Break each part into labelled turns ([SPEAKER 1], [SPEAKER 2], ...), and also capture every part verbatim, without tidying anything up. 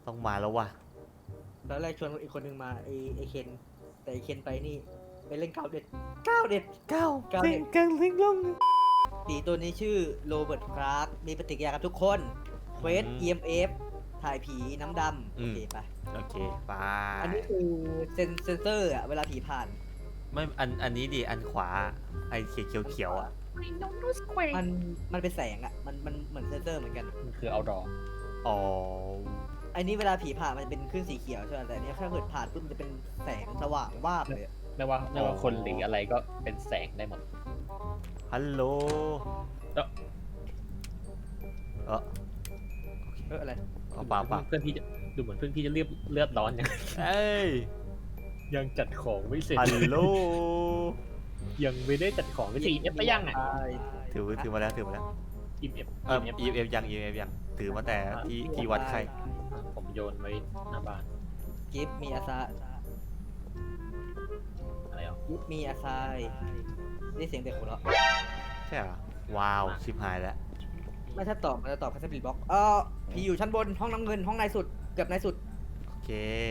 [SPEAKER 1] ต้องมาแล้วว่ะ
[SPEAKER 2] ตอนแรกชวนอีกคนหนึ่งมาไอไอเคนแต่ไอเคนไปนี่ไปเล่นก้าวเด็ดก้าวเด็ด
[SPEAKER 1] เก้า
[SPEAKER 2] ก้าว
[SPEAKER 1] เซ็
[SPEAKER 2] เด็
[SPEAKER 1] ง
[SPEAKER 2] ด
[SPEAKER 1] กังลิงลง
[SPEAKER 2] ผีตัวนี้ชื่อโรเบิร์ตคลาร์กมีปฏิกิริยากับทุกคนเควส อี เอ็ม เอฟ ถ่ายผีน้ำดำโอเคไป
[SPEAKER 1] โอเคไป
[SPEAKER 2] อันนี้คือเซนเซนเซอร์อะเวลาผีผ่าน
[SPEAKER 1] ไม่อันอันนี้ดิอันขวาไอเขียวเขียวเขียวๆอ่ะ
[SPEAKER 2] มันมันเป็นแสงอะมันมันเหมือนเซนเซอร์เหมือนกัน
[SPEAKER 3] มันคือเอาดอ
[SPEAKER 1] อ๋อ
[SPEAKER 2] อันนี้เวลาผีผ่านมันจะเป็นคลื่นสีเขียวใช่ไหมแต่อันนี้ถ้าเกิดผ่านปุ๊บมันจะเป็นแสงสว่างวาบเลยอะ
[SPEAKER 3] ไม่ว่าไม่ว่าคนหรืออะไรก็เป็นแสงได้หมด
[SPEAKER 1] ฮัลโหล
[SPEAKER 3] เอ้อ
[SPEAKER 1] เออ
[SPEAKER 2] เอออะไร
[SPEAKER 1] เอาเปล่าเปล่า
[SPEAKER 3] เพื่อนพี่จะดูเหมือนเพื่อนพี่จะเลือดเลือดร้อนยัง
[SPEAKER 1] เอ้ย
[SPEAKER 3] ยังจัดของไม่เสร็จ
[SPEAKER 1] ฮัลโหล
[SPEAKER 3] ยังไม่ได้จัดของไม่เสร็จเอฟไปยังอ่ะ
[SPEAKER 2] ใช่
[SPEAKER 1] ถือถือมาแล้วถือมาแล้ว
[SPEAKER 3] อิมเอฟ
[SPEAKER 1] เออ อี เอฟ ยัง อี เอฟ ยังถือมาแต่ที่ที่วัดไข้
[SPEAKER 3] ผมโยนไว้หน้าบ้าน
[SPEAKER 2] กิฟมีอาซา
[SPEAKER 3] อะไรอ่ะ
[SPEAKER 2] กิฟมีอาซายนี่เสียงเด็กหัวเราะ
[SPEAKER 1] ใช่เหรอว้าวชิบหายแล้ว
[SPEAKER 2] ไม่ถ้าตอบมันจะตอบแค่สปิริตบ็อกเออผีอยู่ชั้นบนห้องน้ำเงินห้องในสุดเกือบในสุด
[SPEAKER 1] โอเค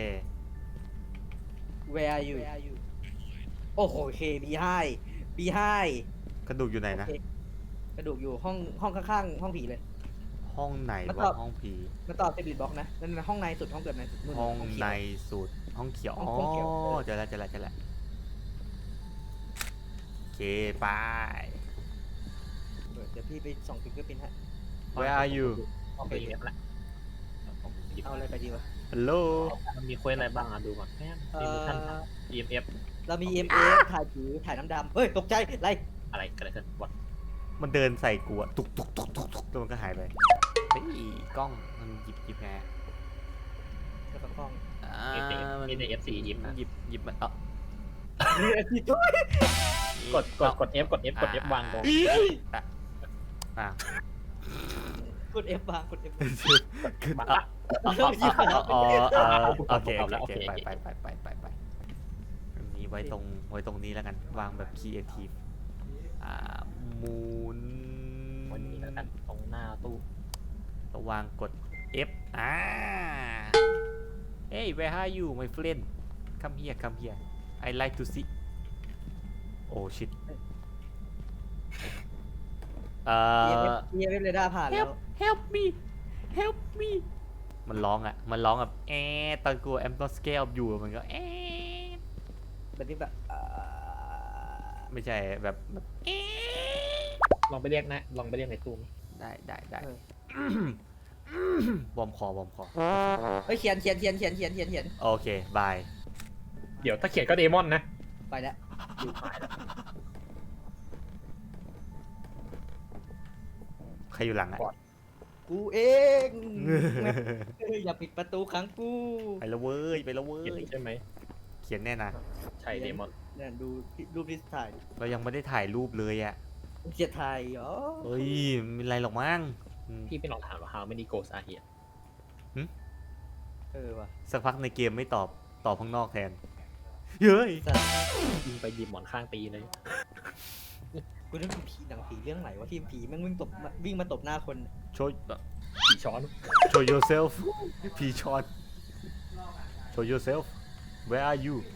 [SPEAKER 2] Where are you โอ้โหโอเค บี ไฮ บี ไฮ
[SPEAKER 1] กระดูกอยู่ไหนนะ
[SPEAKER 2] กระดูกอยู่ห้องห้องข้างๆห้องผีเลย
[SPEAKER 1] ห้องไหน
[SPEAKER 2] มาต
[SPEAKER 1] วะ
[SPEAKER 2] อบ
[SPEAKER 1] ห้องผี
[SPEAKER 2] มันตอบสปิริตบ็อกนะนั่นนะห้องในสุดห้องเกือบในสุดนู่น
[SPEAKER 1] ห้อง
[SPEAKER 2] เขียว
[SPEAKER 1] ในสุดห้องเขียว
[SPEAKER 2] ห้
[SPEAKER 1] อ๋
[SPEAKER 2] อง
[SPEAKER 1] อ
[SPEAKER 2] ห้องเขียวเออ
[SPEAKER 1] เจอแล้วเจอแล้วเจอแล้วโอเคไป
[SPEAKER 2] เดี๋ยวพี่ไปส่องฟิงเกอร์พินฮะ
[SPEAKER 1] Where are you
[SPEAKER 3] ห้องไปอิมเอฟละผมหยิบ
[SPEAKER 2] เอาอะไรไปดีวะ
[SPEAKER 1] ฮัลโหล
[SPEAKER 3] มันมีเควสอะไรบ้างอ่ะดูก่อนแม่
[SPEAKER 2] เอ
[SPEAKER 3] มี
[SPEAKER 2] อ
[SPEAKER 3] ท่าน อี เอ็ม เอฟ
[SPEAKER 2] เรามี เอ็ม เอฟ ถ่ายผีถ่ายน้ำดำเฮ้ยตกใจอะไร
[SPEAKER 3] อะไรกันอะไรกันวัด
[SPEAKER 1] มันเดินใส่กูอะตุกตุกตุกตุกตุกแล้วมันก็หายไปเฮ้ยกล้องมันหยิบหยิบไง
[SPEAKER 2] แล้วก็กล้อง
[SPEAKER 1] อ่า
[SPEAKER 3] มี
[SPEAKER 1] มัน
[SPEAKER 3] ในเอฟซียิ้ม
[SPEAKER 1] มัน
[SPEAKER 3] นะ
[SPEAKER 1] หยิบหยิบมันเอ่ะ
[SPEAKER 3] กดกดกด F กด F กด F วางตรง
[SPEAKER 1] อ่ะ
[SPEAKER 2] กด F บางกด F
[SPEAKER 1] คือ
[SPEAKER 3] บัง
[SPEAKER 1] อ่ะ
[SPEAKER 3] ละ
[SPEAKER 1] อ๋ออ๋ออ๋อโอเค
[SPEAKER 3] เอา
[SPEAKER 1] โอ
[SPEAKER 3] แล้ว
[SPEAKER 1] เค
[SPEAKER 3] โอเค
[SPEAKER 1] ไปไปไปไปไปไปอันนี้ไว้ตรงไว้ตรงนี้แล้วกันวางแบบครีเอทีฟอ่ามูน
[SPEAKER 3] วันนี้แล้วกันตรงหน้าตู้
[SPEAKER 1] ระวางกด F อ่า Hey where are you my friend come here come here I like to see oh shit เอ่อ
[SPEAKER 2] เอ เอฟ เรดาร์ผ่านแล้ว
[SPEAKER 1] help help me help me มันร้องอ่ะ มันร้องแบบแอดตอนกูแอมต้องสเกลอยู่มันก็แอด
[SPEAKER 2] แบบนี้แบบอ่า
[SPEAKER 1] ไม่ใช่แบบแบบแอด
[SPEAKER 3] ลองไปเรียกนะลองไปเรียกในตู้
[SPEAKER 1] ได้ได้ได้บอมคอบอมคอ
[SPEAKER 2] เฮ้ยเขียนเขียนเขียนเขียนเขียนเขียนเขียน
[SPEAKER 1] โอเคบาย
[SPEAKER 3] เดี๋ยวถ้าเขียนก็เดมอนนะ
[SPEAKER 2] ไปแล้ว
[SPEAKER 1] ใครอยู่หลังอ่ะ
[SPEAKER 2] กูเองอย่าปิดประตูขังกู
[SPEAKER 1] ไปแล้วเว้ยไปแล้วเว้
[SPEAKER 3] เขียน
[SPEAKER 1] ย
[SPEAKER 3] ใช่ไหม
[SPEAKER 1] เขียนแน่นะ
[SPEAKER 3] ใช่เดมอน
[SPEAKER 2] เนี่ยดูรูปที่ถ่าย
[SPEAKER 1] เรายังไม่ได้ถ่ายรูปเลยอ่ะ
[SPEAKER 2] เขียนถ่ายอ๋อ
[SPEAKER 1] เฮ้ยไม่เป็นไรหรอกมั้งอืม
[SPEAKER 3] พี่ไปลองถามว่า how many ghosts are here
[SPEAKER 2] เออว่ะ
[SPEAKER 1] สักพักในเกมไม่ตอบตอบข้างนอกแทนเฮ้ย
[SPEAKER 3] ยิงไปหยิบหมอนข้างตีเลย
[SPEAKER 2] กูนึกถึงผีหนังผีเรื่องไหนวะที่ผีแม่งวิ่งตบวิ่งมาตบหน้าคน
[SPEAKER 1] โชว์
[SPEAKER 3] ผีช้อน
[SPEAKER 1] show yourself พีชอน show yourself where are you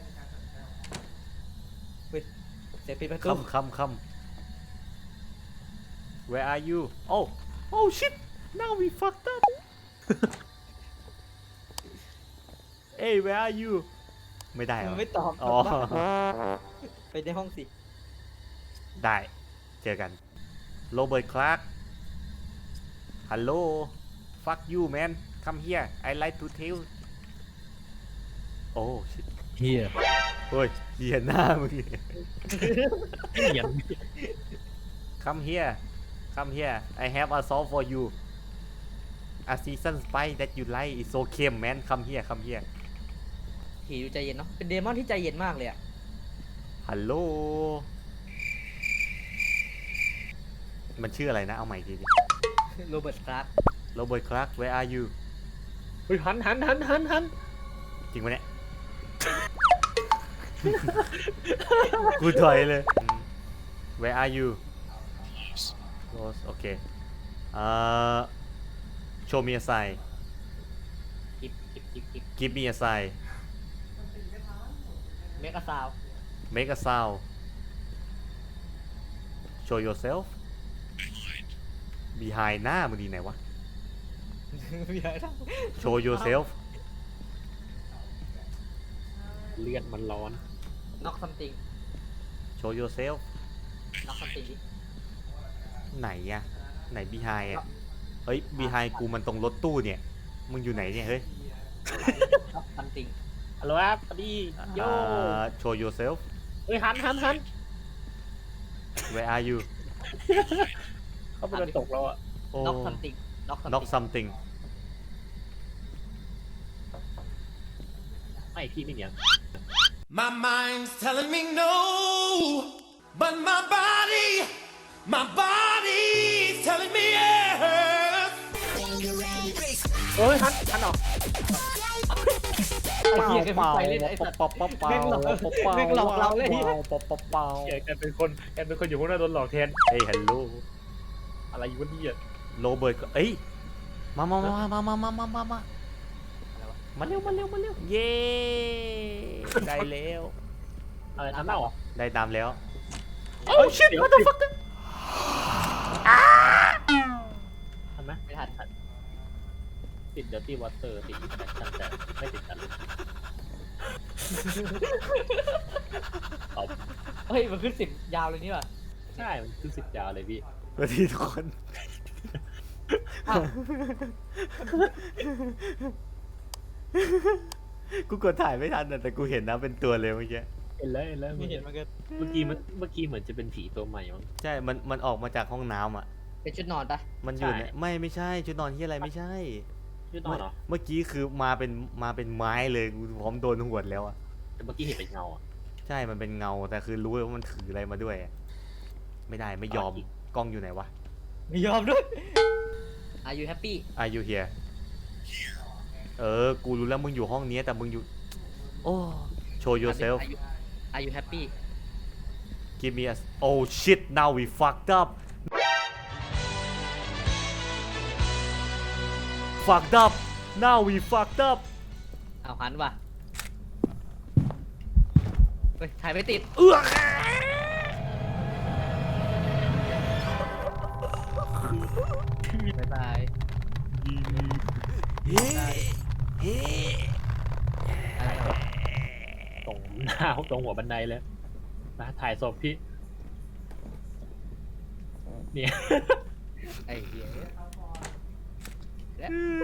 [SPEAKER 2] เสียงปิดประตู
[SPEAKER 1] come come come where are you oh oh shit now we fucked up hey where are you ไม่ได้เหรอ
[SPEAKER 2] ไม่ตอบ
[SPEAKER 1] อ๋อ
[SPEAKER 2] ไปในห้องสิ
[SPEAKER 1] ได้เจอกันโรเบิร์ตคลาร์กฮัลโหล fuck you man come here I like to tell โอ้ shit
[SPEAKER 3] เฮีย
[SPEAKER 1] เฮ้ยเหี้ยหน้ามึง
[SPEAKER 3] เฮีย
[SPEAKER 1] come here come here I have a song for you a season spice that you like is so เค็ม man come here come here
[SPEAKER 2] ผีดูใจเย็นเนาะเป็นเดมอนที่ใจเย็นมากเลยอะ
[SPEAKER 1] ฮัลโหลมันชื่ออะไรนะเอาใหม่ทีดิ
[SPEAKER 2] โรเบิร์ตคลาร์ก
[SPEAKER 1] โรเบิร์ตคลาร์ก where are you
[SPEAKER 3] เฮ้ยหันหันหันหันหัน
[SPEAKER 1] จริงปะเนี่ย กูถอยเลย Where are you Rose โอเคเอ่อ show me a sign
[SPEAKER 3] กิบกิบกิบกิบ
[SPEAKER 1] give me a sign
[SPEAKER 2] เมกะซาว
[SPEAKER 1] make a sound show yourself behind หน้ามึงดีไหนวะ show yourself
[SPEAKER 3] เลือดมันร้อน
[SPEAKER 2] น็อกซัมติง
[SPEAKER 1] show yourself
[SPEAKER 2] น็อกซัมติงดิ
[SPEAKER 1] ไหนอะไหน behind อะเฮ้ย behind กูมันตรงรถตู้เนี่ย มึงอยู่ไหนเนี่ย เฮ้ย
[SPEAKER 2] น็อกซัมติง
[SPEAKER 3] ฮัลโหลครับสวัสดีโย่
[SPEAKER 1] อ่า show yourself
[SPEAKER 3] เฮ้ยหันหันหัน
[SPEAKER 1] where are you
[SPEAKER 3] เขาไปโดนตกแล้วอ่ะ
[SPEAKER 1] โอ้
[SPEAKER 2] น็อกซัมติงน็อกซัม
[SPEAKER 1] knock
[SPEAKER 2] ติง
[SPEAKER 1] something
[SPEAKER 3] ไม่พี่ไม่เนี่ย
[SPEAKER 4] My mind's telling me no, but my body, my body's telling me yes.
[SPEAKER 3] เฮ้ยหันหันออก
[SPEAKER 2] ไอ้เหี้ยแกเพิ่งไปเล่นไอ้สัตว์
[SPEAKER 1] เป่าเป่าเป่า
[SPEAKER 2] แม่งหลอกแม่งหลอกเราเลย
[SPEAKER 1] เป่าเป่าเป่าเป่า
[SPEAKER 3] แกแกเป็นคนแกเป็นคนอยู่ข้างหน้าโดนหลอกแทน
[SPEAKER 1] เฮ้ย hello
[SPEAKER 3] อะไรอยู่วะเนี่ย
[SPEAKER 1] โรเบิร์ตเอ้ย มามามามามามามามามา
[SPEAKER 2] อะไรวะ
[SPEAKER 1] มาเร็ว มาเร็ว มาเร็ว เย้ ได้แล้ว
[SPEAKER 3] อะไรน้ำเน่าเหรอ
[SPEAKER 1] ได้ตามแล้ว
[SPEAKER 3] โอ้ชิต what the fuck ทันไหม
[SPEAKER 2] ไม่ทัน
[SPEAKER 3] ติดเดอร์ตี้วอเตอร์ติดอินแฟคชั่นแต่ไม่ติดกันเอา
[SPEAKER 2] เฮ้ยมันขึ้นสิบยาวเลยนี่ว่ะ
[SPEAKER 3] ใช่ มันขึ้นสิบยาวเลยพี่
[SPEAKER 1] สวัสดีทุกคน
[SPEAKER 2] อ้าว
[SPEAKER 1] กูกดถ่ายไม่ทันนะแต่กูเห็นนะเป็นตัวเลยเมื่อกี้
[SPEAKER 3] เห็นแล้วเห็นแล้ว
[SPEAKER 2] ไม่เห็นมันก็
[SPEAKER 3] เมื่อกี้มันเมื่อกี้เหมือนจะเป็นผีตัวใหม่มั้ง
[SPEAKER 1] ใช่ มัน มันออกมาจากห้องน้ำอ่ะ
[SPEAKER 2] เป็นชุดนอนปะ
[SPEAKER 1] มันอยู่
[SPEAKER 3] ใช่
[SPEAKER 1] ในไม่ ไม่ใช่ ชุดนอนที่อะไรไม่ใช่
[SPEAKER 3] ชื่อนอนเหรอ
[SPEAKER 1] เมื่อกี้คือมาเป็น มาเป็นไม้เลย กูพร้อมโดนหวดแล้วอ่ะ
[SPEAKER 3] แต่เมื่อกี้เห็นเป็นเงาอ่ะ
[SPEAKER 1] ใช่ มันเป็นเงา แต่คือรู้ว่ามันถืออะไรมาด้วยอะไม่ได้ ไม่ยอม
[SPEAKER 3] อ่ะ
[SPEAKER 1] กล้องอยู่ไหนวะ
[SPEAKER 2] ไม่ยอมด้วย Are you happy
[SPEAKER 1] Are you here เออ กูรู้แล้วมึงอยู่ห้องนี้แต่มึงอยู่ โอ้ show yourself
[SPEAKER 2] Are you Are you happy
[SPEAKER 1] give me a oh shit now we fucked up fucked up now we fucked up
[SPEAKER 2] เอาหันว่ะเฮ้ยถ่ายไม่ติด
[SPEAKER 1] เอื้อ
[SPEAKER 2] บ๊ายบาย
[SPEAKER 1] เฮ้เฮ้
[SPEAKER 2] อะไรวะ
[SPEAKER 3] ตรงหน้าตรงหัวบันไดเลยนะถ่ายศพพี่ เนี่ย
[SPEAKER 2] ไอ้เหี้ยและ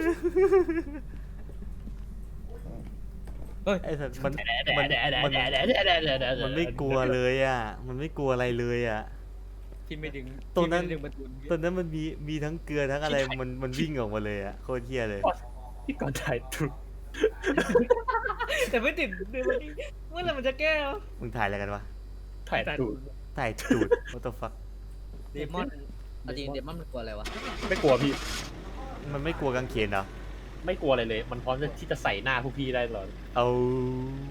[SPEAKER 1] ไอ้สัตว์มันมันมันมันไม่กลัวเลยอ่ะ มันไม่กลัวอะไรเลยอ่ะ
[SPEAKER 2] ที่ไม่ดึง
[SPEAKER 1] ตรงนั้น
[SPEAKER 2] ที่ไม่ดึงประตู
[SPEAKER 1] ตอนนั้นมันมีมีทั้งเกลือทั้งอะไรมันมันวิ่งออกมาเลยอ่ะโคตรเที่ยเลย
[SPEAKER 3] พี่ก่อนถ่ายถูก
[SPEAKER 2] แต่ไม่ติดดึงมันนี่เมื่อไหร่มันจะแก้วะ
[SPEAKER 1] มึงถ่ายอะไรกันวะ
[SPEAKER 3] ถ่ายถูก
[SPEAKER 1] ถ่ายตูด what the fuck
[SPEAKER 2] เดมอนเอาจริงเดมอนมันกลัวอะไรวะ
[SPEAKER 3] ไม่กลัวพี่
[SPEAKER 1] มันไม่กลัวกางเขนเหรอ
[SPEAKER 3] ไม่กลัวอะไรเลย มันพร้อมที่จะใส่หน้าพวกพี่ได้ตลอด
[SPEAKER 1] เอา